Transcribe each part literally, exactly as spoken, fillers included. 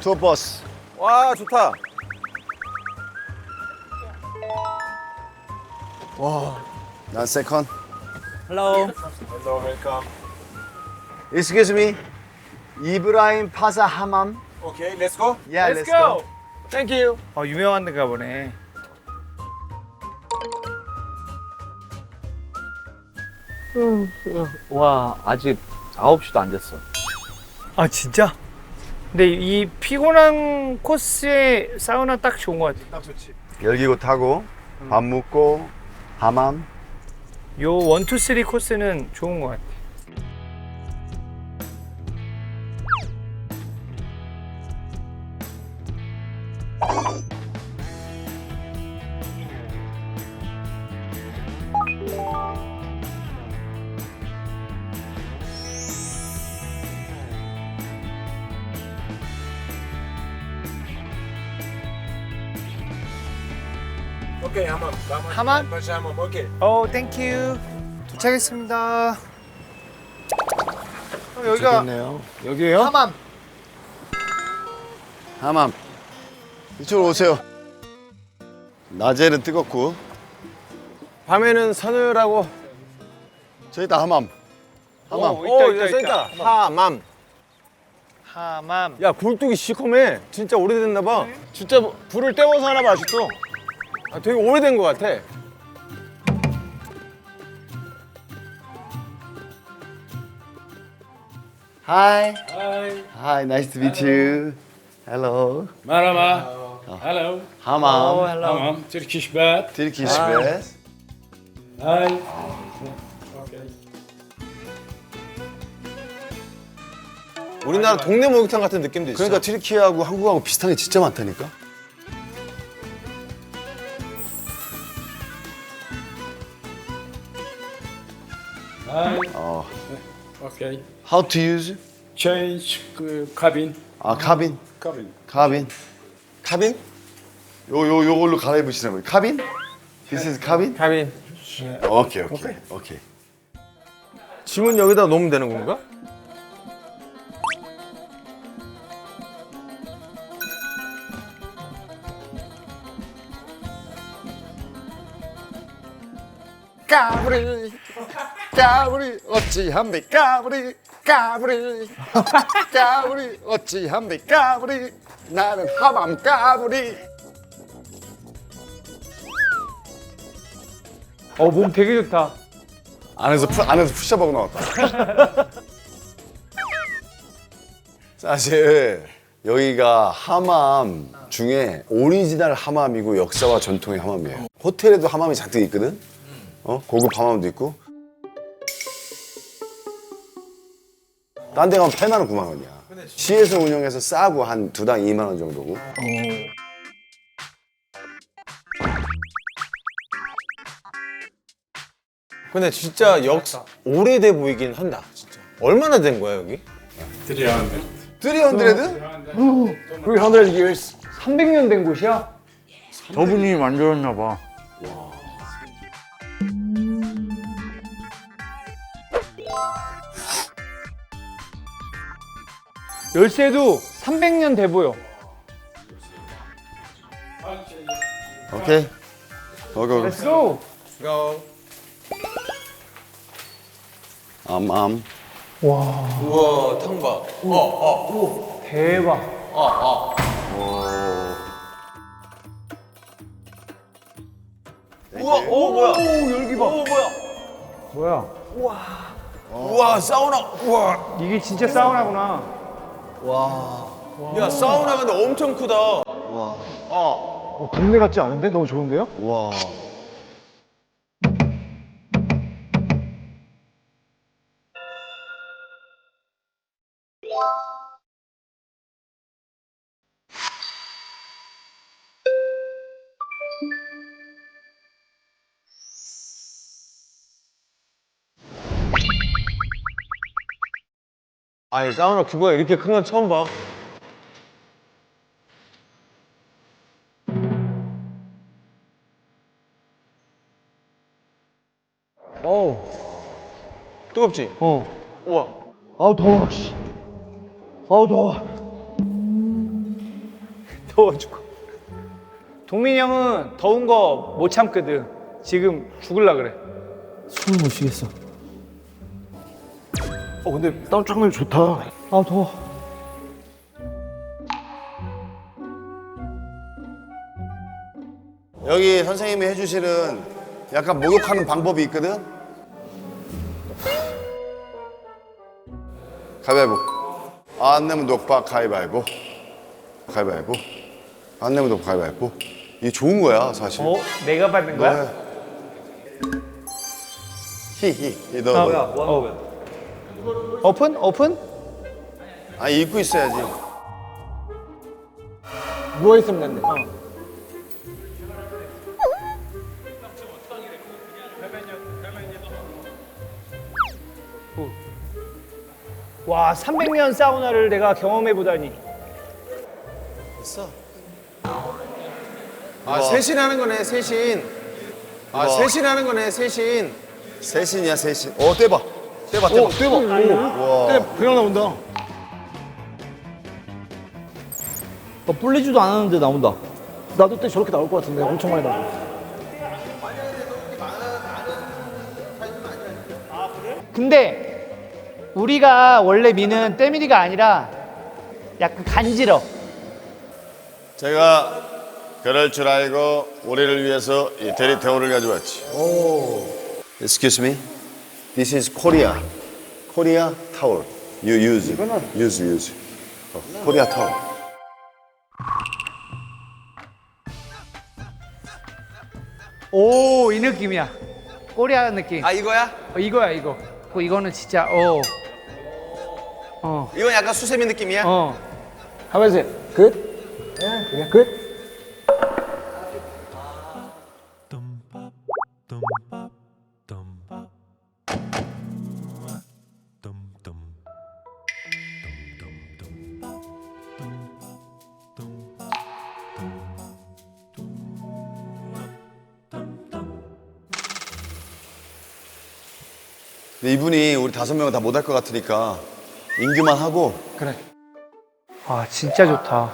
투어 버스. 와 좋다. 난 세컨. Hello. Hello, welcome. Excuse me. 이브라임 파사 하맘. Okay, let's go. Yeah, let's, go. Thank you. 어 유명한 데가 보네. 와 아직 아홉 시도 안 됐어. 아 진짜? 근데 이 피곤한 코스에 사우나 딱 좋은 것 같아. 딱 좋지. 열기구 타고 밥 먹고 하맘. 요 원, 투, 쓰리 코스는 좋은 것 같아. Okay, 하맘. 하맘? 다시 하맘. 오케이. 오, 땡큐. 도착했습니다. 어, 여기가 좋겠네요. 여기에요? 하맘. 하맘. 이쪽으로 오세요. 낮에는 뜨겁고 밤에는 서늘하고. 저기 다 하맘. 하맘. 오, 있다, 오, 있다, 써 있다. 있다. 하맘. 하맘. 야, 굴뚝이 시커매. 진짜 오래됐나 봐. 진짜 불을 때워서 하나 봐, 아직도. 아, 되게 오래된 것 같아. Hi. Hi. Hi, nice to meet you. Hello. Merhaba. Hello. 하맘. Tamam. Turkish bath. Turkish bath. Hi. Okay. 우리나라 동네 목욕탕 같은 느낌도 있어. 그러니까 튀르키예하고 한국하고 비슷한 게 진짜 많다니까. Hi. 어. Okay. How to use? Change uh, cabin. 아, 카빈. Cabin. 카빈. 카빈? 요, 요, 요걸로 갈아입으시는 거예요. 카빈? This is 카빈? 카빈. 오케이, 오케이, 오케이. 짐은 여기다 놓으면 되는 건가? 까불이, 까불이, 어찌합니까, 까불이, 까불이, 까불이, 어찌합니까, 까불이, 나는 하밤 까불이. 어, 몸 되게 좋다. 안에서 푸, 안에서 푸셔하고 나왔다. 사실 여기가 하맘 중에 오리지널 하맘이고 역사와 전통의 하맘이에요. 호텔에도 하맘이 잔뜩 있거든. 어? 고급 하맘도 있고. 딴 데 가면 팔만 원, 구만 원이야. 시에서 운영해서 싸고 한 두 당 이만 원 정도고. 근데 진짜 역사 오래돼 보이긴 한다. 진짜. 얼마나 된 거야 여기? three hundred. 쓰리헌드레드? 삼백 years. 삼백 년 된 곳이야? 저분이 만들었나 봐. 열쇠도 삼백 년 돼 보여. 오케이. 오케이, 오케이. Let's go. go. 암, 암. 우와 탕바. 어 어. 대박. 우와 오 뭐야? 오 열기 봐. 오 뭐야? 뭐야? 우와 사우나. 우와. 이게 진짜 사우나구나. 야 사우나 근데 엄청 크다. 어, 동네 같지 않은데? 너무 좋은데요? 와. 아니 사우나 규모가 이렇게 큰 건 처음 봐. 어우 뜨겁지? 어. 우와. 아우, 더워, 씨. 아우, 더워. 더워 죽어. 동민이 형은 더운 거 못 참거든. 지금 죽을라 그래. 숨을 못 쉬겠어. 어 근데 다운 장면 좋다. 아 더워. 여기 선생님이 해주시는 약간 목욕하는 방법이 있거든. 가위바위보. 안 내면 녹박 가위바위보. 가위바위보. 안 내면 녹박 가위바위보. 이게 좋은 거야 사실. 어? 내가 받는 거야? 히히. 너. 너. 오픈? 오픈? 아니 입고 있어야지. 누워 있으면 된대. 와, 삼백 년 사우나를 내가 경험해 보다니. 있어. 아 세신 하는 거네 세신. 아 이거. 세신 하는 거네 세신. 세신이야 세신. 어 떼봐. 떼봐 떼봐. 오 대박. 오. 네, 그냥 나온다. 어, 불리지도 않았는데 나온다. 나도 때 저렇게 나올 것 같은데 엄청 많이 나와. 근데 우리가 원래 미는 때밀이가 아니라 약간 간지러. 제가 그럴 줄 알고 우리를 위해서 이 대리 태우를 가져왔지. 오. Excuse me. This is Korea. Korea towel. You use. Use use. 어, Korea towel. 오, 이 느낌이야. 꼬리아 느낌. 아 이거야? 어, 이거야, 이거. 어, 이거는 진짜, 어. 어, 이건 약간 수세미 느낌이야? 어. 하면서 끝. 예, 그냥 끝. 근데 이분이 우리 다섯 명은 다 못 할 것 같으니까 인규만 하고. 그래. 아, 진짜 좋다.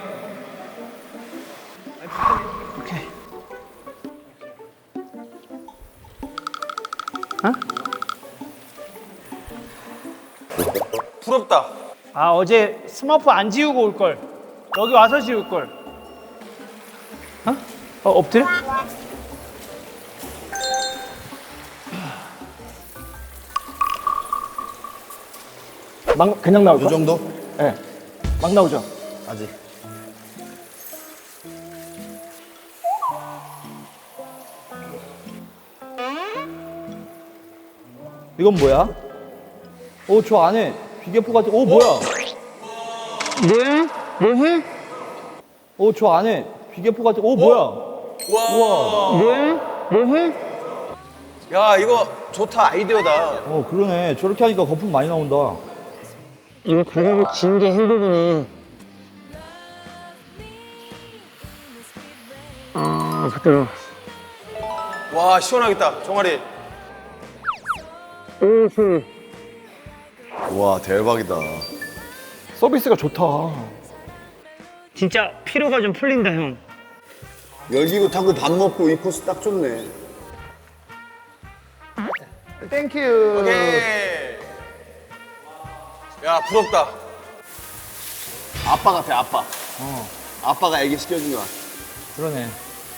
오케이. 어? 부럽다. 아, 어제 스머프 안 지우고 올 걸. 여기 와서 지울 걸. 어? 어, 엎드려? 막 그냥 나올까? 이 정도? 예. 막 나오죠. 아직. 이건 뭐야? 오, 저 안에 비계포 같은. 오, 뭐야? 네? 뭐해? 오, 저 안에 비계포 같은. 오, 뭐야? 우와. 네? 뭐해? 야 이거 좋다 아이디어다. 어, 그러네. 저렇게 하니까 거품 많이 나온다. 이거 가격이 진게 힘들더니. 아, 부끄러워. 와 시원하겠다 종아리. 와 대박이다. 서비스가 좋다. 진짜 피로가 좀 풀린다, 형. 열기구 타고 밥 먹고 이 코스 딱 좋네. 땡큐. 오케이. 야 부럽다. 아빠 같아 아빠. 어. 아빠가 애기 시켜준 거 같아. 그러네.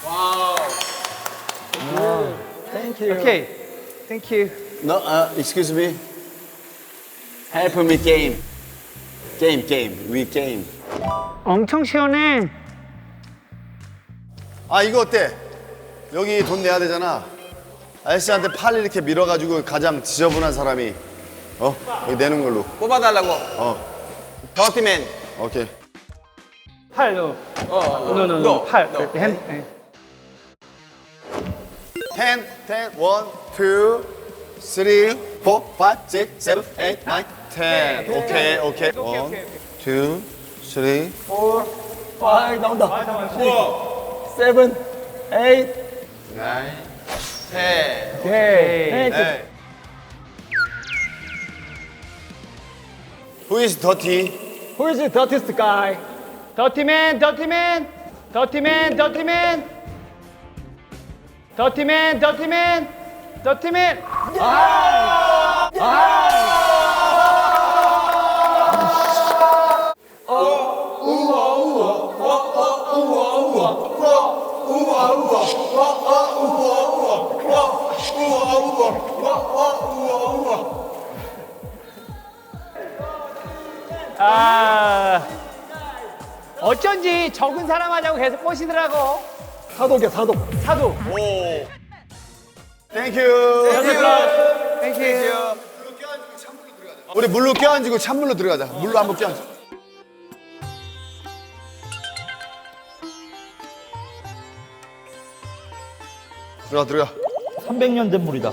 오케이. 땡큐. No, uh, excuse me. Help me game. Game, game. We game. 엄청 시원해. 아 이거 어때? 여기 돈 내야 되잖아. 아저씨한테 팔 이렇게 밀어가지고 가장 지저분한 사람이 어? 여기 내는 걸로. 뽑아달라고. 어, 더티맨. 오케이. 팔, 너. 어. 너, 너, 너. 팔. 이렇게 핸. 네. ten, ten, one, two, three, four, five, six, seven, eight, nine, ten. 오케이, 오케이. One, two, three. 아 나온다. 세븐, 에잇. 세. 오케이. 네. Who is dirty? Who is the dirtiest guy? 더티맨, 더티맨, 더티맨, 더티맨, 더티맨, 더티맨, 더티맨. 아, 어쩐지 적은 사람 하자고 계속 꼬시더라고. 사독이야, 사독. 사도. 땡큐. 땡큐. 우리 물로 껴안지고 찬물로 들어가자. 물로 한번 껴안자. 들어가 들어가. 삼백 년 된 물이다.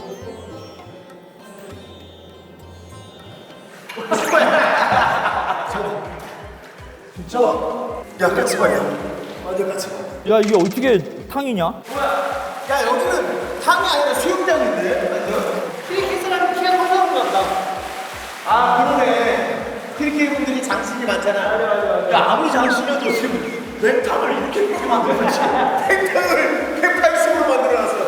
야 같이 봐야. 완전 같이 봐. 야 이게 어떻게 탕이냐? 야 여기는 탕이 아니라 수영장인데. 트리키스라는 키가 커서 그런가 보다. 아, 그러네. 트리키 분들이 장신이 많잖아. 야, 아무리 장신이어도 지금 랩탕을 이렇게 크게 만들어놨지. 탱탕을 백팔십으로 만들어놨어.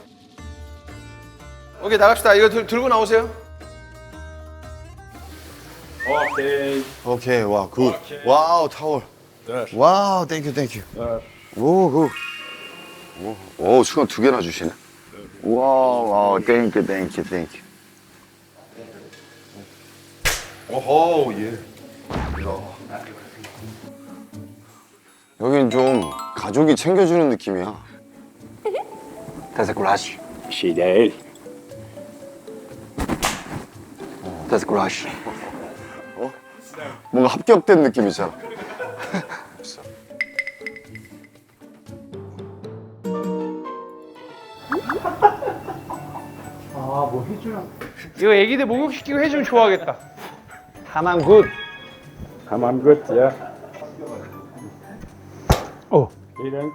오케이 나갑시다. 이거 들, 들고 나오세요. 오케이. 오케이 와 굿. 와우 타월. 와우 땡큐 땡큐. 오 굿. 오, 오 수건 두 개나 주시네. 와우 와우 땡큐 땡큐 땡큐. 오호 예. 여긴 좀 가족이 챙겨주는 느낌이야. Das ist Crush. Fidel. Das ist Crush. 뭔가 합격된 느낌이잖아. 이거 애기들 목욕시키고 해주면 좋아하겠다. 하만 굿. Come on, good, yeah. Oh. Vielen.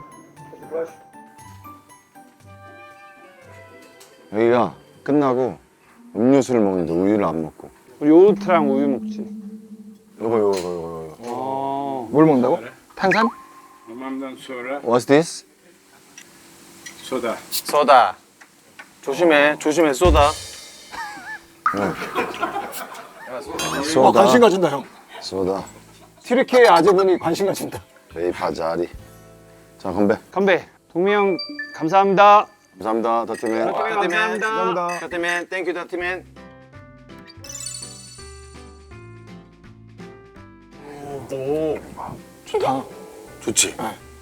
여기가 끝나고 음료수를 먹는데 우유를 안 먹고. 우리 요트랑 우유 먹지. 요거 요거 요거 요거. 어. 뭘 먹는다고? 탄산? Hamamdan sonra What's this? soda. 쏘다. 조심해, 조심해 쏘다. 소다. 아, 관심 가진다, 형. 소다. 티르키의 아재분이 관심 가진다. 베이파자리. 자 건배. 건배. 동미 형 감사합니다. 감사합니다 더티맨. 감사합니다. 더티맨, 땡큐 더티맨. 좋지.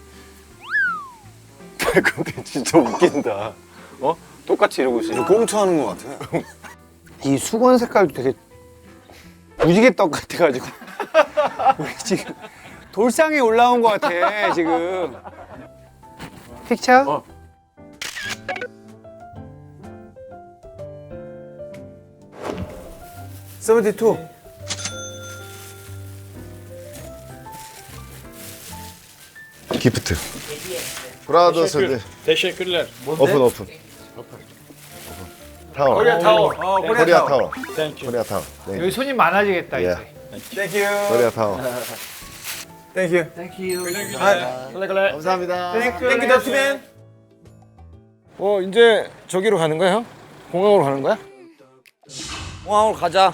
근데 진짜 웃긴다. 어? 똑같이 이러고 있어. 꽁투하는 것 같아. 이 수건 색깔도 되게 무지개 떡 같아가지고 우리 지금 돌상에 올라온 것 같아 지금. 픽처? 어. 세븐티투. 기프트. 브라더스. Teşekkürler. 오픈 오픈. 타워. 코리아 타워. 어, 코리아 타워. Thank you. 코리아 타워. 땡큐. 여기 손님 많아지겠다 예. 이제. 땡큐. 코리아 타워. 땡큐. 감사합니다. 땡큐 더티맨. 어 이제 저기로 가는 거야 형? 공항으로 가는 거야? 공항으로 가자.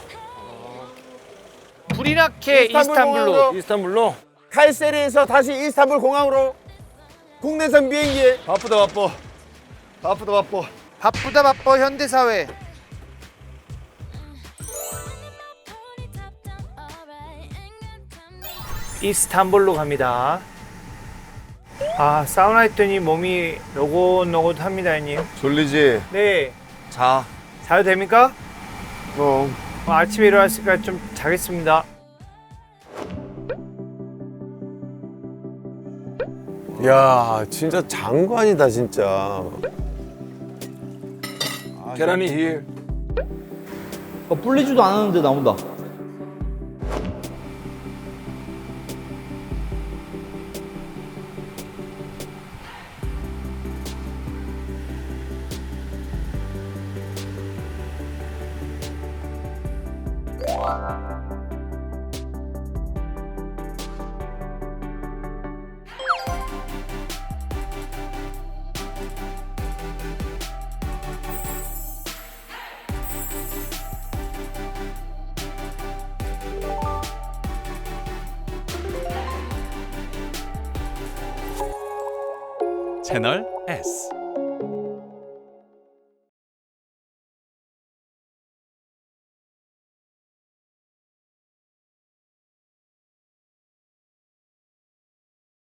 불이나케 이스탄불로. 이스탄불로. 카이세리에서 다시 이스탄불 공항으로 국내선 비행기에. 바쁘다 바빠. 바쁘다 바빠. 바쁘다 바빠 현대사회. 이스탄불로 갑니다. 아 사우나 했더니 몸이 노곤노곤합니다 형님. 졸리지? 네. 자. 자도 됩니까? 그럼. 어, 아침에 일어났으니까 좀 자겠습니다. 야 진짜 장관이다 진짜. 계란이 here. 어, 불리지도 않았는데 나온다. 채널 에스.